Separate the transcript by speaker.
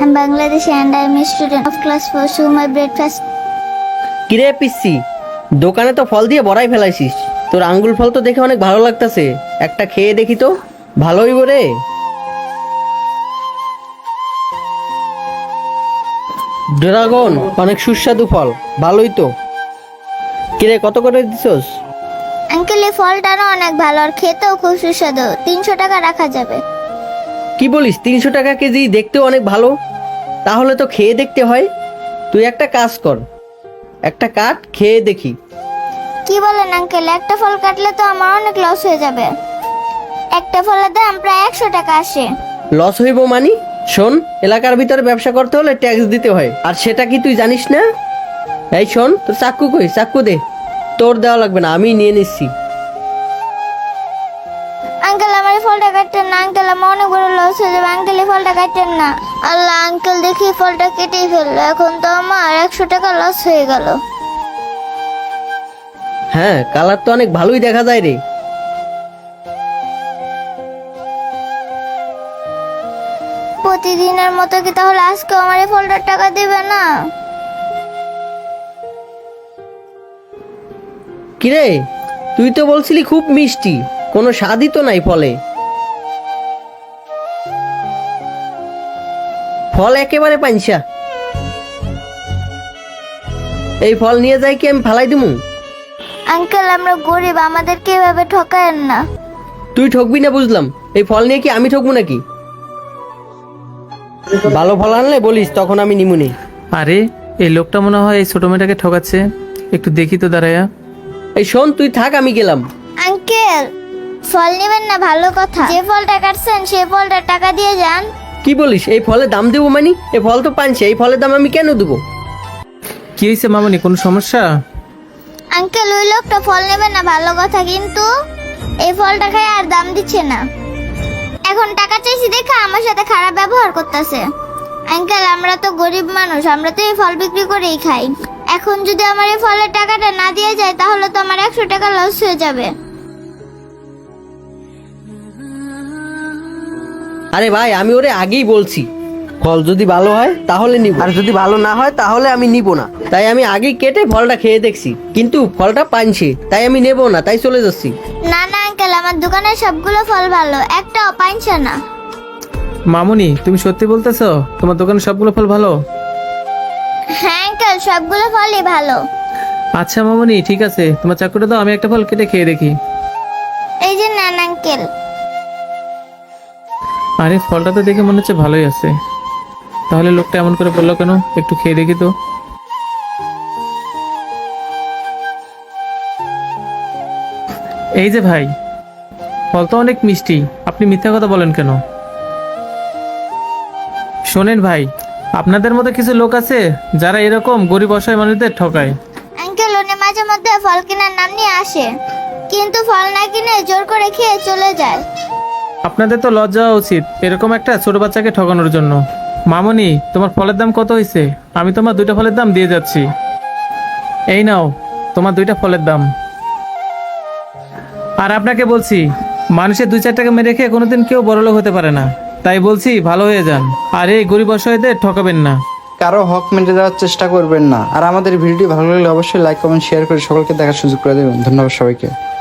Speaker 1: I'm Bangladeshi and I'm a student of class 4, so my breakfast.
Speaker 2: কিরে পিসি, দোকানে তো ফল দিয়ে বড়াই ফেলাইছিস। তোর আঙ্গুল ফল তো দেখে অনেক ভালো লাগতাছে, একটা খেয়ে দেখি তো। ভালোই রে। ড্রাগন অনেক সুস্বাদু ফল, ভালোই তো। কিরে কত করে দিছস?
Speaker 1: আঙ্কেল এই ফলটা না অনেক ভালো আর খেতেও খুব সুস্বাদু। 300 টাকা রাখা যাবে।
Speaker 2: কি বলিস, 300 টাকা কেজি? দেখতেও অনেক ভালো, তাহলে তো খেয়ে দেখতে হয়। তুই একটা কাজ কর, একটা কাট, খেয়ে দেখি।
Speaker 1: কি বলেন আঙ্কেল, একটা ফল কাটলে তো আমার অনেক লস হয়ে যাবে। একটা ফলের দাম প্রায় 100 টাকা আসে।
Speaker 2: লস হইব মানি? শোন, এলাকার ভিতরে ব্যবসা করতে হলে ট্যাক্স দিতে হয়, আর সেটা কি তুই জানিস না? এই শোন, তোর চাক্কু কই? চাক্কু দে। তোর দেওয়া লাগবে না, আমি নিয়ে নিচ্ছি।
Speaker 1: আঙ্কেল আমার এই ফলটা কাটতেন না আঙ্কেল, আমার অনেক বড় লস হয়ে যাবে আঙ্কেল, এই ফলটা কাটতেন না। আল্লাহ আঙ্কেল, দেখি ফলটা কেটেই ফেললো, এখন তো আমার 100 টাকা লস হয়ে গেল।
Speaker 2: হ্যাঁ, কালার তো অনেক ভালোই দেখা যায় রে।
Speaker 1: প্রতিদিনের মতো কি তাহলে আজকে আমার এই ফলটার টাকা দিবে না?
Speaker 2: কিরে, তুই তো বলছিলি খুব মিষ্টি, কোনো স্বাদই তো নাই ফলে। ফল একেবারে পাঞ্চা। এই ফল নিয়ে যাই কি আমি ফালাই দিমু?
Speaker 1: আঙ্কেল আমরা গরিব, আমাদেরকে এভাবে ঠকায়েন না।
Speaker 2: তুই ঠকবি না বুঝলাম, এই ফল নিয়ে কি আমি ঠকবো নাকি? ভালো ফল আনলে বলিস, তখন আমি নিমুনি।
Speaker 3: আরে এই লোকটা মনে হয় এই ছোট মেয়েটাকে ঠকাচ্ছে, একটু দেখি তো দাঁড়ায়া।
Speaker 2: এই শোন, তুই থাক, আমি গেলাম।
Speaker 1: আঙ্কেল ফল নেবেন না ভালো কথা, যে ফলটা কাটছেন সেই ফলটার টাকা দিয়ে যান।
Speaker 2: কি বলিস, এই ফলের দাম দেবো মানি? এই ফল তো পানছে, এই ফলের দাম আমি কেন দেবো?
Speaker 3: কি হয়েছে মামনি, কোনো সমস্যা?
Speaker 1: আঙ্কেল ওই লোকটা ফল নেবেন না ভালো কথা, কিন্তু এই ফলটা খায় আর দাম দিচ্ছে না। এখন টাকা চাইছি দেখে আমার সাথে খারাপ ব্যবহার করতেছে। আঙ্কেল আমরা তো গরিব মানুষ, আমরা তো এই ফল বিক্রি করেই খাই। এখন যদি আমার এই ফলের টাকাটা না দিয়ে যায় তাহলে তো আমার 100 টাকা লস হয়ে যাবে।
Speaker 2: আরে ভাই, আমি ওরে আগেই বলছি, ফল যদি ভালো হয় তাহলে নিব, আর যদি ভালো না হয় তাহলে আমি নিব না। তাই আমি আগেই কেটে ফলটা খেয়ে দেখছি, কিন্তু ফলটা পানছে, তাই আমি নেব না, তাই চলে যাচ্ছি।
Speaker 1: না না আঙ্কেল, আমার দোকানের সবগুলো ফল ভালো, একটাও পাইছে না।
Speaker 3: মামুনি তুমি সত্যি বলতেছো তোমার দোকানে সবগুলো ফল ভালো?
Speaker 1: হ্যাঁ আঙ্কেল সবগুলো ফলই ভালো।
Speaker 3: আচ্ছা মামুনি ঠিক আছে, তোমার চাকুটা দাও, আমি একটা ফল কেটে খেয়ে দেখি।
Speaker 1: এই যে নেন আঙ্কেল।
Speaker 3: আরে ফলটা তো দেখে মনে হচ্ছে ভালোই আছে, তাহলে লোকটা এমন করে বললো কেন? একটু খেয়ে দেখি তো। এই যে ভাই, ফল তো অনেক মিষ্টি, আপনি মিথ্যা কথা বলেন কেন? শোনেন ভাই, আপনাদের মতো কিছু লোক আছে যারা এরকম গরিব অসহায় মানুষদের ঠকায়।
Speaker 1: আঙ্কেল উনি মাঝে মধ্যে ফল কেনার নাম নিয়ে আসে, কিন্তু ফল না কিনে জোর করে খেয়ে চলে যায়।
Speaker 3: আপনাদের তো লজ্জা হওয়া উচিত এরকম একটা ছোট বাচ্চাকে ঠকানোর জন্য। মামনি তোমার ফলের দাম কত হয়েছে? আমি তোমার 2টা ফলের দাম দিয়ে যাচ্ছি। এই নাও তোমার 2টা ফলের দাম। আর আপনাকে বলছি, মানুষের 2-4 টাকা মেরে খেয়ে কোনোদিন কেউ বড়লোক হতে পারে না, তাই বলছি ভালো হয়ে যান, আর এই গরিব অসহায়দের ঠকাবেন না।
Speaker 4: কারো হক মেরে দেওয়ার চেষ্টা করবেন না। আর আমাদের ভিডিওটি ভালো লাগলে অবশ্যই লাইক কমেন্ট শেয়ার করে সকলকে দেখার সুযোগ করে দেবেন। ধন্যবাদ সবাইকে।